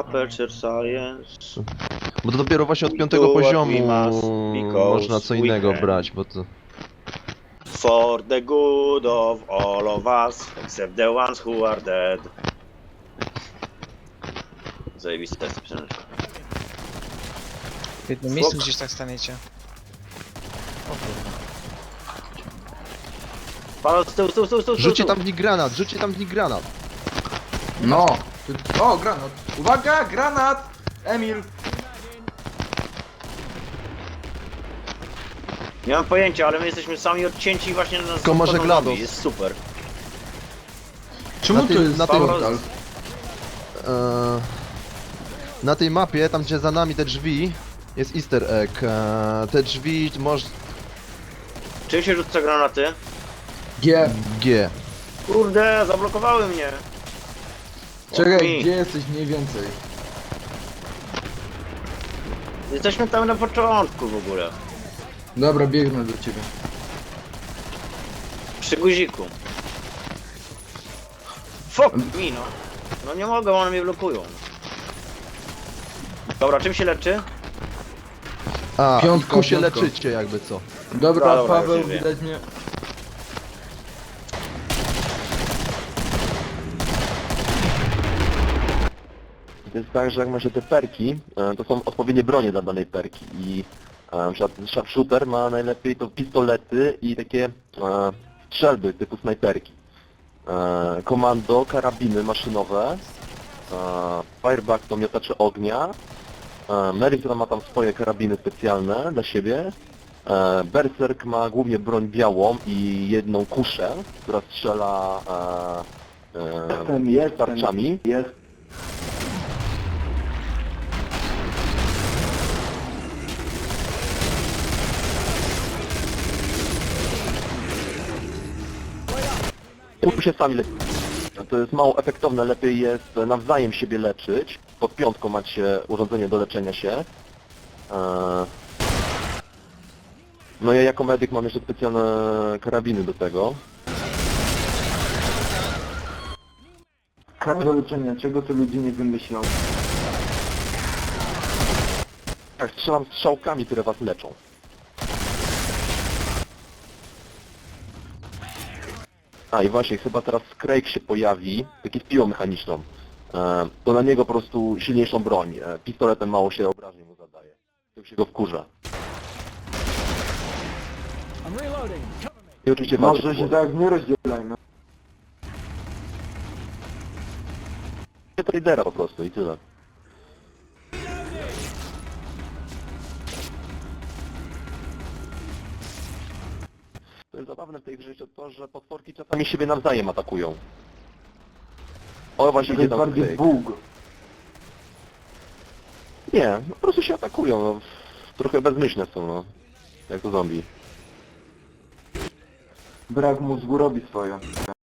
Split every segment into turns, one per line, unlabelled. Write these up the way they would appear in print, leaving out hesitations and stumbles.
Aperture Science.
Bo to dopiero właśnie od
We
5
do what
poziomu
we must, because
można co
we
innego
can.
brać, bo to...
For the good of all of us, except the ones who are dead. Zajebiste jest piosenka.
W jednym miejscu gdzieś tak staniecie. O kurwa.
Paweł, stół.
Rzućcie tam w nich granat, rzućcie tam w nich granat!
No! O, granat! Uwaga, granat! Emil!
Nie mam pojęcia, ale my jesteśmy sami odcięci właśnie na
Tylko może GLaDOS.
Jest super.
Czemu
Na tej-
to jest
na tej-
portal?
Na tej mapie, tam gdzie za nami te drzwi, jest easter egg. Te drzwi
Czym się rzuca granaty?
G.
G.
Kurde, zablokowały mnie.
Czekaj,
mi.
gdzie jesteś mniej więcej?
Jesteśmy tam na początku w ogóle.
Dobra, biegnę do ciebie.
Przy guziku. Fuck mi no. No nie mogę, one mnie blokują. Dobra, czym się leczy?
A,
Piątka,
ku się
piątka.
leczycie jakby co.
Dobra,
Dobra,
Paweł,
już wiem.
widać mnie.
To jest tak, że jak ma się te perki, to są odpowiednie bronie dla danej perki i na przykład sharpshooter ma najlepiej to pistolety i takie strzelby typu snajperki. Komando, karabiny maszynowe, fireback to miotacze ognia, Mercer ma tam swoje karabiny specjalne dla siebie, Berserk ma głównie broń białą i jedną kuszę, która strzela tarczami. Tu się sami lepiej. To jest mało efektowne, lepiej jest nawzajem siebie leczyć. Pod piątką macie urządzenie do leczenia się. No ja jako medyk mam jeszcze specjalne karabiny do tego.
Karta do leczenia, czego to ludzie nie wymyślą?
Tak, strzelam strzałkami, które was leczą. A i właśnie, chyba teraz Craig się pojawi, taki z piłą mechaniczną. To na niego po prostu silniejszą broń. Pistoletem mało się obrażeń mu zadaje. To się go wkurza. I oczywiście walczy
Może
w
się
głowę.
tak nie rozdzielajmy.
Tradera po prostu i tyle. To jest zabawne w tej grze jeszcze to, że potworki czasami siebie nawzajem atakują. O, właśnie
To
idzie
jest
tam
bardziej
Craig.
bóg.
Nie, no po prostu się atakują, no. Trochę bezmyślne są, no. Jak to zombie.
Brak mózgu robi swoje.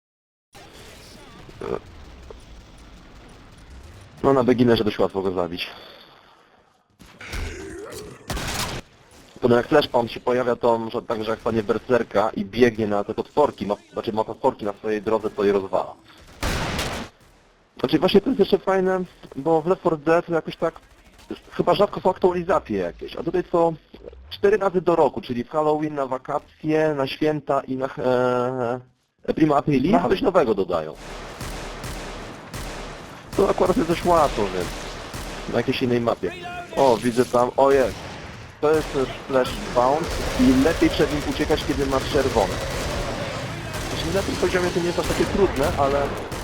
No na beginnerze dość łatwo go zabić. Potem jak flashpoint się pojawia, to może tak, że jak stanie berserka i biegnie na te potworki, ma potworki na swojej drodze, to je rozwala. Znaczy właśnie to jest jeszcze fajne, bo w Left 4 Dead jakoś tak, chyba rzadko są aktualizacje jakieś, a tutaj są 4 razy do roku, czyli w Halloween, na wakacje, na święta i na Prima Aprilis coś nowego dodają. To akurat jest dość łatwo, więc na jakiejś innej mapie. O, widzę tam, o jest. To jest Flash Bounce i lepiej przed nim uciekać, kiedy masz czerwone. Znaczy na tym poziomie to nie jest aż takie trudne, ale...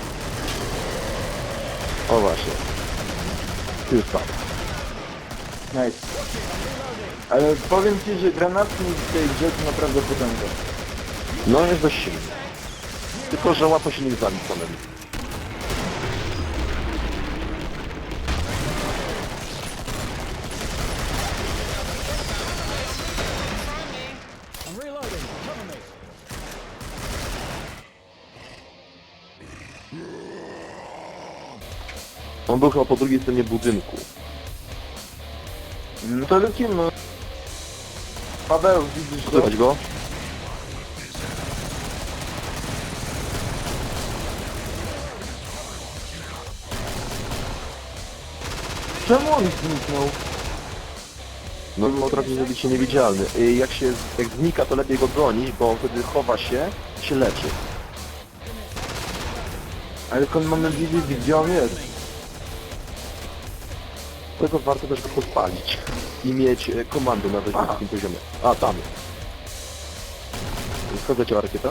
O właśnie. Już tak.
Nice. Ale powiem ci, że granatnik w tej grze to naprawdę potęga.
No jest dość silny. Tylko, że łatwo się nie zabić samemu. On był chyba po drugiej stronie budynku.
No to lecimy. Paweł, widzisz go?
Słychać go?
Czemu on zniknął?
No potrafi zrobić się niewidzialny. Jak znika, to lepiej go bronić, bo on wtedy chowa się i się leczy.
Ale skąd mamy wiedzieć, gdzie on jest?
Dlatego warto też go podpalić i mieć komandę na dość wysokim poziomie. A, tam jest. Skąd leciała rakieta?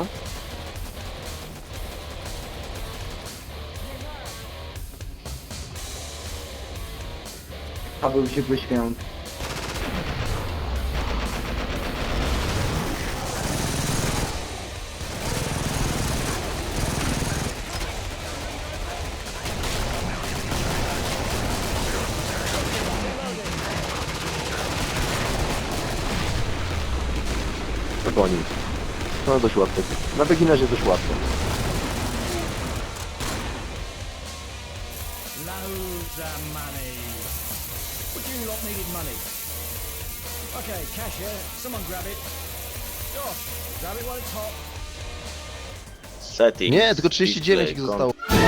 Paweł się poświęc.
Gonił. No dość łatwo. Na beginnerze dość łatwo.
Loads of money. Would you lot needed money? Okay, cash here. Someone grab it. Josh, grab it while it's hot.
Settings.
Nie, tylko 39 ich
display,
zostało.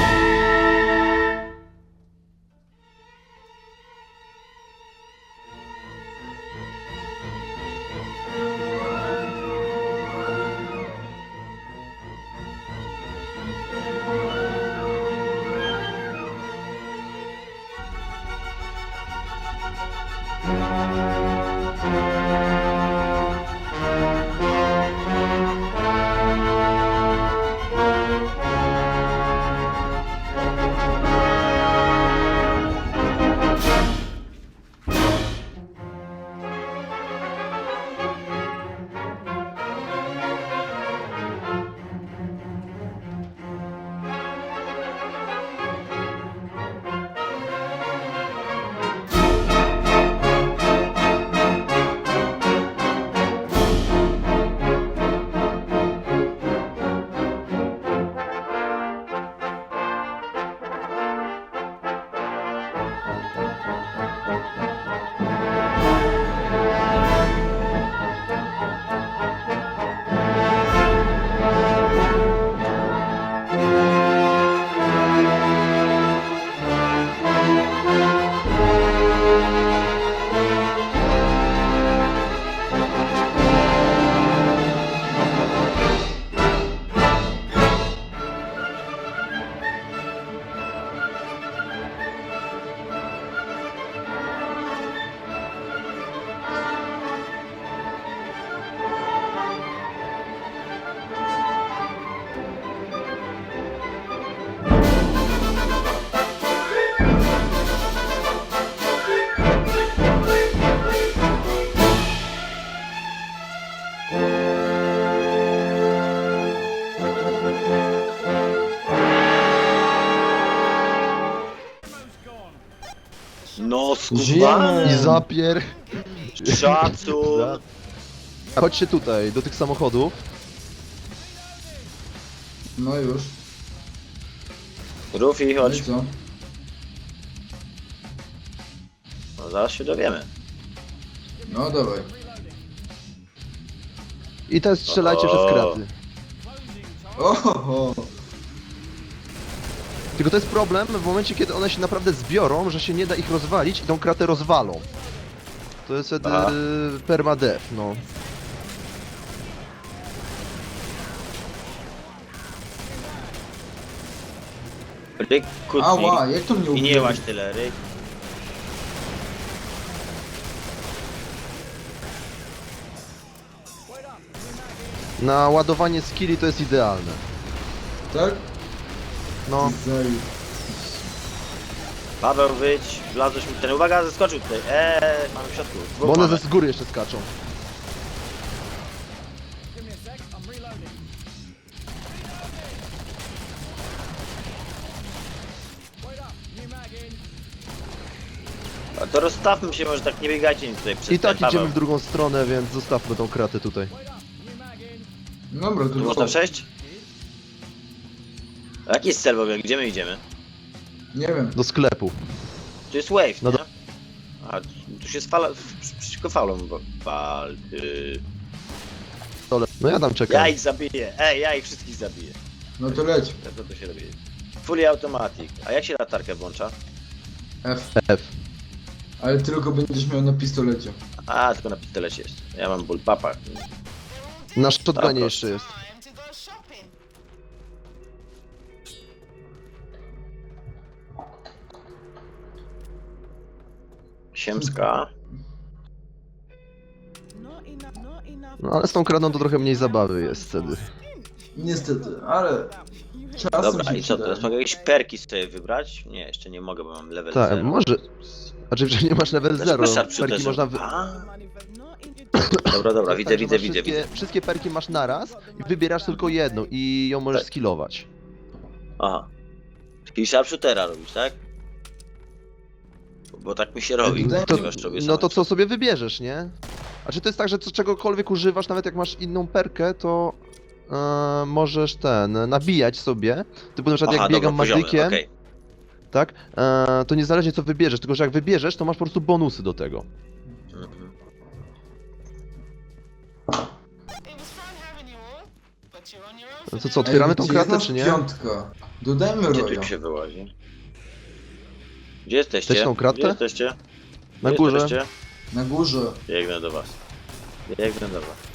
No
I
skubany.
zapier...
Szacun.
Chodźcie tutaj, do tych samochodów.
No już.
Rufi,
No
chodź.
i co?
No, zaraz się dowiemy.
No dawaj.
I też strzelajcie
O.
przez kraty.
Oho!
Tylko to jest problem w momencie, kiedy one się naprawdę zbiorą, że się nie da ich rozwalić i tą kratę rozwalą. To jest wtedy
Aha.
permadeath, no.
Ryk, kutni.
Ała, jak to mnie
I
ubiło?
nie łaź tyle, ryk.
Na ładowanie skilli to jest idealne.
Tak?
No,
Zaj...
Paweł, wyjdź, wlazłeś mi w ten. Uwaga, zeskoczył tutaj. Mamy w środku. Dwóch
bo one
mamy.
ze z góry jeszcze skaczą.
Give me a sec, I'm reloading. Wait up, new mag in.
A to rozstawmy się, może tak nie biegajcie mi tutaj przez
I tak
ten,
idziemy
Paweł.
w drugą stronę, więc zostawmy tą kratę tutaj.
Wait up, new mag in.
Dobra,
Tu
to
można przejść? A jaki jest cel w ogóle? Gdzie my idziemy?
Nie wiem.
Do sklepu.
Tu jest wave,
No
nie? A tu się fala... przeciwko falom walczy.
No ja tam czekam.
Ja ich zabiję. Ja ich wszystkich zabiję.
No to leć.
Co to się robi? Fully automatic. A jak się latarkę włącza?
F.
F.
Ale tylko będziesz miał na pistolecie.
A, tylko na pistolecie jest. Ja mam bullpapa.
Na shotgunie
Dobra.
jeszcze jest.
Siemska.
No ale z tą kradą to trochę mniej zabawy jest wtedy.
Niestety, ale... Czasem
Dobra,
się
i co
przydaje.
teraz? Mogę jakieś perki sobie wybrać? Nie, jeszcze nie mogę, bo mam level
Tak,
0.
może... Znaczy, że nie masz level 0, perki można wy...
Dobra, dobra,
Tak,
widzę,
że
widzę,
masz
widzę, widzę.
Wszystkie perki masz naraz i wybierasz tylko jedną i ją możesz
Tak.
skillować.
Aha. Czyli sharpshootera robisz, tak? Bo tak mi się robi,
To-
ponieważ robię
No to co sobie wybierzesz, nie? A czy to jest tak, że czegokolwiek używasz, nawet jak masz inną perkę, to możesz nabijać sobie. Typu na przykład jak biegam madykiem,
okej.
tak? To niezależnie co wybierzesz, tylko że jak wybierzesz, to masz po prostu bonusy do tego.
Mhm.
No to co, otwieramy tą
gdzie
kratę,
jest
czy
nas
nie?
piątka? Dodajmy
Gdzie
roja.
tu się wyłazi? Gdzie jesteście?
Chcesz tą kratę?
Gdzie jesteście?
Na
Gdzie
górze.
Jesteście?
Na górze.
Biegnę do was. Biegnę do was.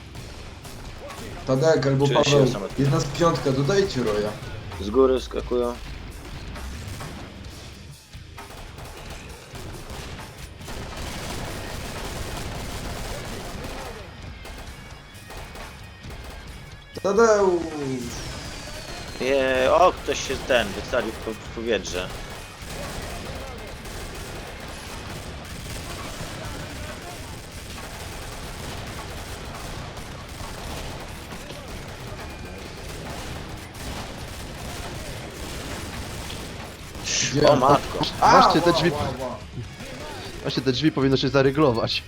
Tadek albo
Czuję się
Paweł.
samotny.
Jest nas piątka, dodajcie roja.
Z góry skakują.
Tadeusz!
O, ktoś się wystawił w powietrze.
Gdzie?
O matko.
Właśnie te drzwi,
Ła.
właśnie te drzwi powinno się zaryglować.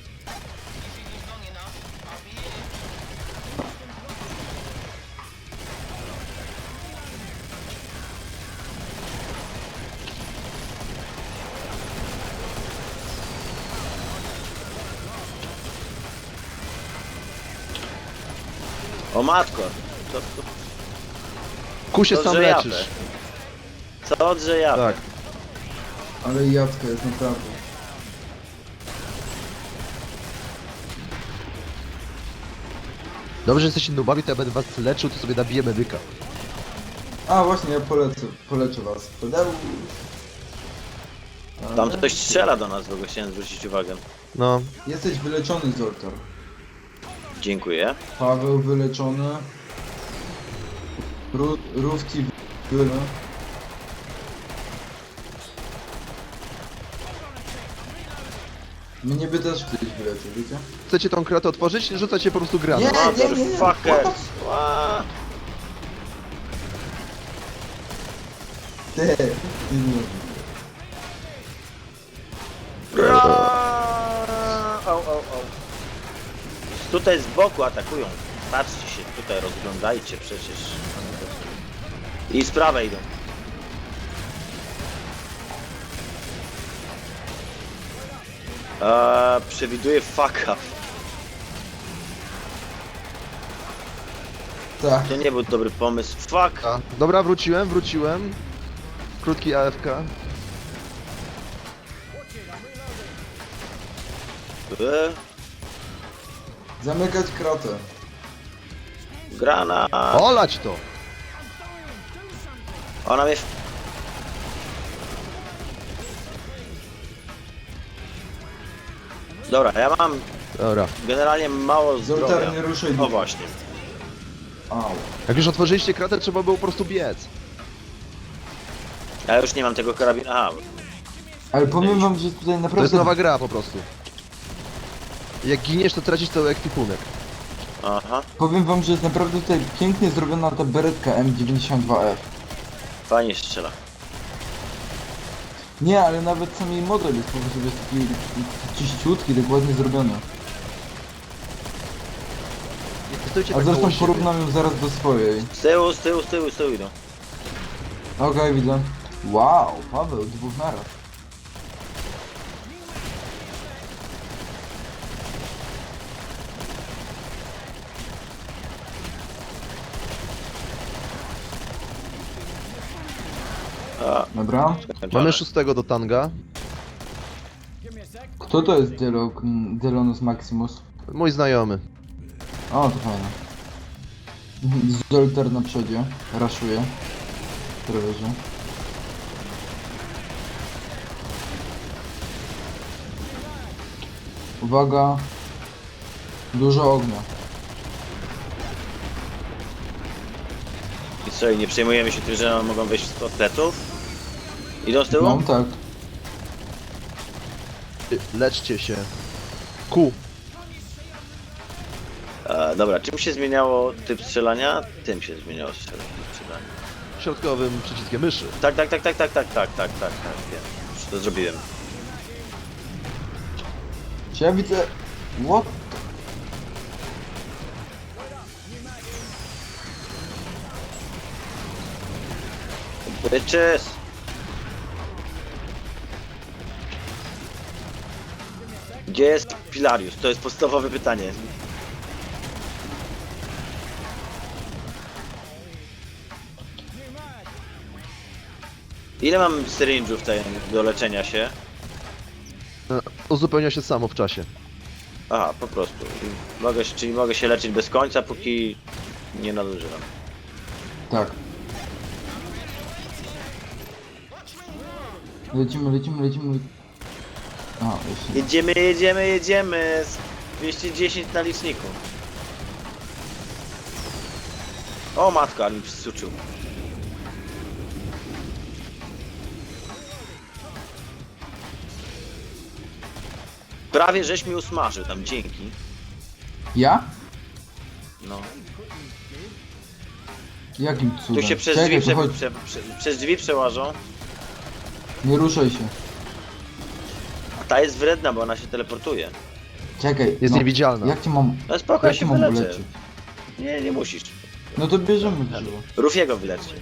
O matko.
Ku się
To
sam
drzejawe.
leczysz.
Co drzeja?
Tak.
Ale jadka jest naprawdę.
Dobrze, że jesteście nubami, to ja będę was leczył, to sobie nabiję medyka.
A właśnie, ja poleczę was. Tadeusz!
Tam ktoś strzela do nas, w ogóle chciałem zwrócić uwagę.
No.
Jesteś wyleczony, Zoltar.
Dziękuję.
Paweł wyleczony. Rufti wyleczony. Mnie by też ktoś wyleczył, wiecie?
Chcecie tą kratę otworzyć? Rzucacie po prostu granat.
Motherfuckers. Ła.
Ty, nie.
Au. Tutaj z boku atakują. Patrzcie się, tutaj rozglądajcie przecież. I z prawej idą. Przewiduję fuck up.
Tak.
To nie był dobry pomysł. Fuck.
Dobra, wróciłem. Krótki AFK.
Zamykać kratę.
Grana.
Olać to!
Ona mnie... Dobra, ja mam
Dobra.
generalnie mało zdrowia.
Zoltar, nie ruszaj
O
dupy.
właśnie.
Au.
Jak już otworzyliście kratę, trzeba było po prostu biec.
Ja już nie mam tego karabinu. Aha,
Ale powiem wam, że tutaj
To jest
naprawdę...
nowa gra po prostu. Jak giniesz, to tracisz cały ekwipunek.
aha.
Powiem wam, że jest naprawdę tutaj pięknie zrobiona ta beretka M92F.
Fajnie strzela.
Nie, ale nawet sam jej model jest po prostu jest taki czyściutki, tak ładnie zrobiony.
Nie stójcie
A
tak koło
zresztą
siebie.
porównam ją zaraz do swojej.
Z tyłu idą.
Okej, widzę. Wow, Paweł, dwóch naraz.
A,
Dobra.
skończone.
Mamy 6 do tanga.
Kto to jest Delonus Maximus?
Mój znajomy.
O, to fajne. Zolter na przodzie. Raszuje. Trewerze. Uwaga. Dużo ognia.
I co, i nie przejmujemy się tym, że mogą wejść z pleców? Idą z tyłu?
No tak.
Leczcie się. Ku.
Dobra, czym się zmieniało typ strzelania? Tym się zmieniało typ strzelania.
Środkowym przyciskiem myszy.
Tak, wiem. Już to zrobiłem.
Czy ja widzę... What?
Bitches! Gdzie jest Pilarius? To jest podstawowe pytanie. Ile mam syringe'ów do leczenia się?
Uzupełnia się samo w czasie.
Aha, po prostu. Czyli mogę się leczyć bez końca, póki nie nadużywam.
Tak. Lecimy. A, jeszcze.
Jedziemy! 210 na liczniku. O matko, ale mi przysuczył. Prawie żeś mi usmażył tam, dzięki.
Ja?
No.
Jakim cudem?
Tu się przez
Czekaj,
drzwi,
to chodź.
przez drzwi przełażą.
Nie ruszaj się.
A ta jest wredna, bo ona się teleportuje.
Czekaj.
Jest niewidzialna.
Jak cię mam...
No spoko, ja
Jak cię
się
mam
wyleczę.
uleczyć?
Nie musisz.
No to bierzemy drzewo.
Rufiego wyleczcie.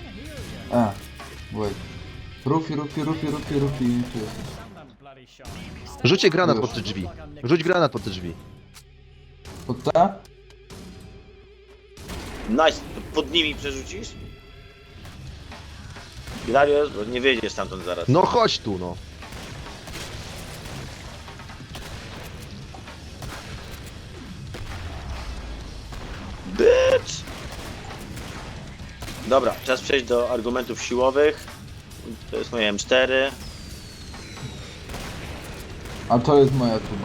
Wait. Rufi. Tu jesteś.
Rzućcie granat
Już.
pod te drzwi. Rzuć granat pod te drzwi.
Pod te?
Nice, pod nimi przerzucisz? Hilarios, bo nie wyjdziesz stamtąd zaraz.
No chodź tu, no.
Bitch! Dobra, czas przejść do argumentów siłowych. To jest moje M4.
A to jest moja tuba.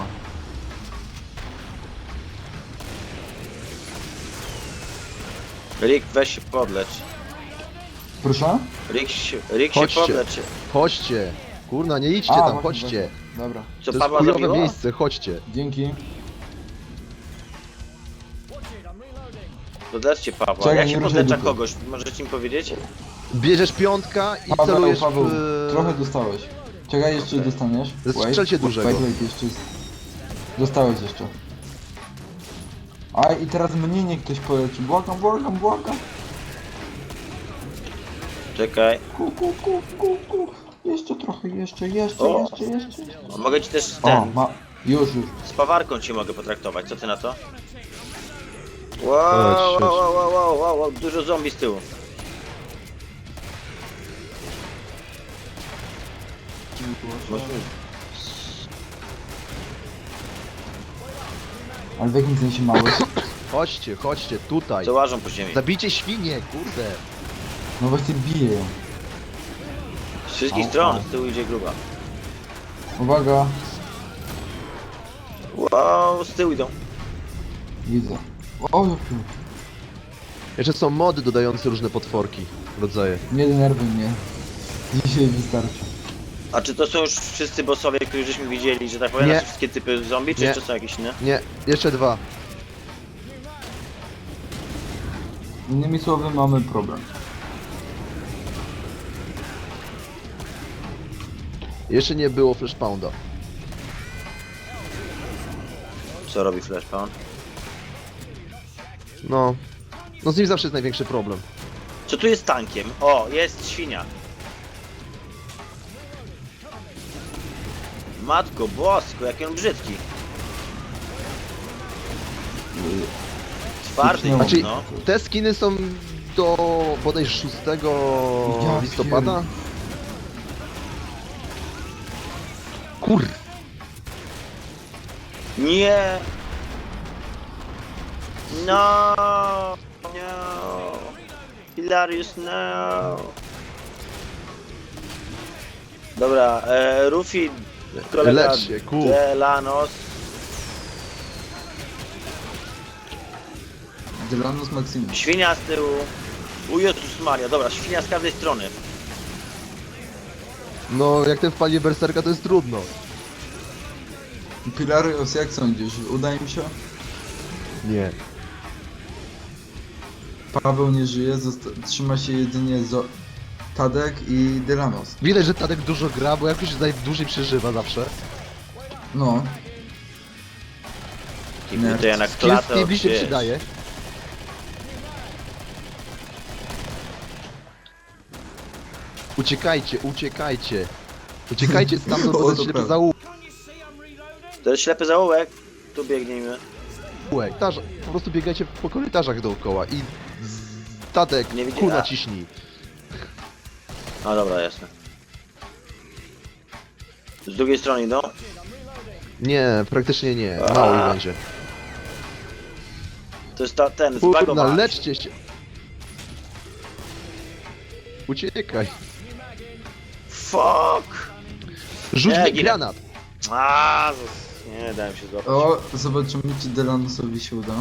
Rick, weź się podlecz.
Proszę?
Rick się
Chodźcie.
podlecz.
Chodźcie. Kurna, nie idźcie
A,
tam,
właśnie,
chodźcie.
właśnie. Dobra.
Co
To jest
Pawła
chujowe
zabiło?
miejsce, chodźcie.
Dzięki.
Podleczcie Pawła.
Czekaj,
Jak
nie
się
ruszaj
podlecza
dupy.
kogoś? Możecie mi powiedzieć?
Bierzesz piątka i celujesz
Paweł,
w...
trochę dostałeś. Czekaj, jeszcze
Okej.
dostaniesz.
Strzelcie dużego.
Wait, jeszcze... Dostałeś jeszcze. A i teraz mnie niech ktoś poleci. Błagam.
Czekaj.
Ku. Jeszcze trochę, jeszcze.
O. Mogę ci też
O, już.
z pawarką cię mogę potraktować. Co ty na to?
Chodź.
Wow, dużo zombie z tyłu.
Ale w jakim sensie mały?
Chodźcie, tutaj.
Co łażą po ziemi.
Zabijcie świnie, kurde.
No właśnie bije ją.
Z wszystkich
Au,
stron,
au.
z tyłu idzie gruba.
Uwaga,
Wow, z tyłu idą.
widzę. O,
Jeszcze są mody dodające różne potworki, rodzaje.
nie denerwuj mnie. Dzisiaj wystarczy.
A czy to są już wszyscy bossowie, których żeśmy widzieli, że tak powiem,
Nie.
znaczy wszystkie typy zombie, czy
Nie.
jeszcze są jakieś inne?
Nie, jeszcze dwa.
Innymi słowy mamy problem.
Jeszcze nie było Flashpounda.
Co robi Flashpound?
No z nim zawsze jest największy problem.
Co tu jest tankiem? O, jest świnia. Matko bosko, jaki on brzydki. Twardy,
Znaczy,
no.
Te skiny są do bodaj 6
Ja
listopada? Kur...
Nie! No! No! Hilarious, no! Dobra, Rufi, kolega
Lecz się, ku.
Delanos.
Delanus Maximus.
Świnia z tyłu. O Jezus Maria, dobra, świnia z każdej strony.
No, jak ten wpali berserka, to jest trudno.
Pilarius, jak sądzisz? Uda im się?
Nie.
Paweł nie żyje, trzyma się jedynie Tadek i Delanos.
Widać, że Tadek dużo gra, bo jakoś najdłużej przeżywa zawsze.
No,
I
Nie.
tutaj na
Skill
klatę
Stevie się
wiesz.
przydaje. Uciekajcie, uciekajcie. Uciekajcie stamtąd,
O,
bo
to
jest ślepy
prawda.
To jest ślepy zaułek. Tu biegniemy.
zaułek. Po prostu biegajcie po korytarzach dookoła i... Tadek,
Nie widzi-
ku
a.
naciśnij.
No dobra, jasne. Z drugiej strony idą.
Nie, praktycznie nie. Mało ich będzie.
To jest ten
Kurna,
zbagowany.
leczcie się. Uciekaj.
Fuck!
Rzuć
Nie,
mi
ginę.
granat.
Nie dałem się złapać.
o, zobaczymy czy Delanosowi się uda.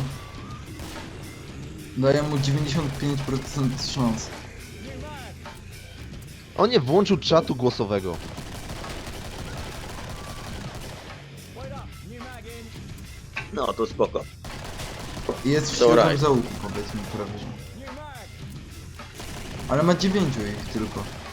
Daję mu 95% szans.
On nie włączył czatu głosowego.
No to spoko.
I jest w
Dobra.
środku załuku, powiedzmy prawie że. Ale ma 9 ich tylko.